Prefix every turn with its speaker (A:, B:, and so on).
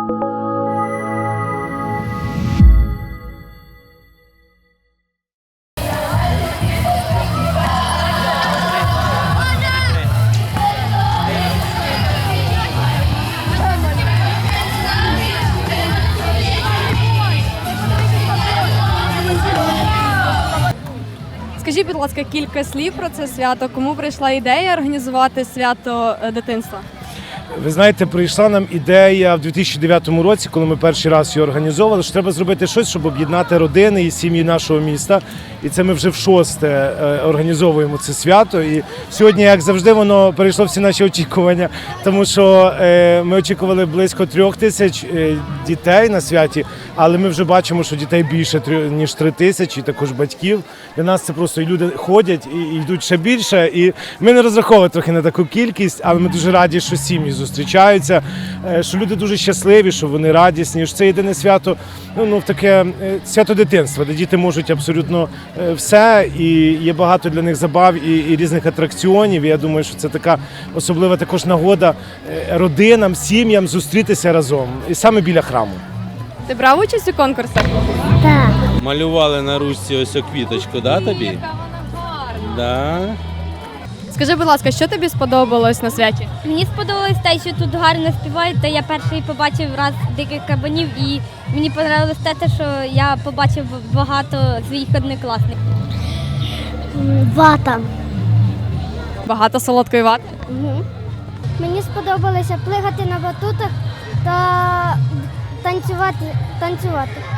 A: Скажіть, будь ласка, кілька слів про це свято. Кому прийшла ідея організувати свято дитинства?
B: Ви знаєте, прийшла нам ідея в 2009 році, коли ми перший раз її організовували, що треба зробити щось, щоб об'єднати родини і сім'ї нашого міста. І це ми вже в шосте організовуємо це свято. І сьогодні, як завжди, воно перейшло всі наші очікування, тому що ми очікували близько 3000 дітей на святі, але ми вже бачимо, що дітей більше, ніж 3000, і також батьків. Для нас це просто і люди ходять і йдуть ще більше. І ми не розраховували трохи на таку кількість, але ми дуже раді, що сім'ї зустрічаються, що люди дуже щасливі, що вони радісні. Що це єдине свято, таке свято дитинства, де діти можуть абсолютно все, і є багато для них забав і різних атракціонів. І я думаю, що це така особлива також нагода родинам, сім'ям зустрітися разом, і саме біля храму.
A: Ти брав участь у конкурсах?
C: Так.
D: Малювали на ручці ось квіточку, да, тобі?
A: Яка вона гарна.
D: Да.
A: Скажи, будь ласка, що тобі сподобалось на святі?
C: Мені сподобалось те, що тут гарно співають, та я перший побачив раз диких кабанів, і мені подобалось те, що я побачив багато своїх однокласників. Вата.
A: Багато солодкої вати?
C: Угу. Мені сподобалося плигати на батутах та танцювати.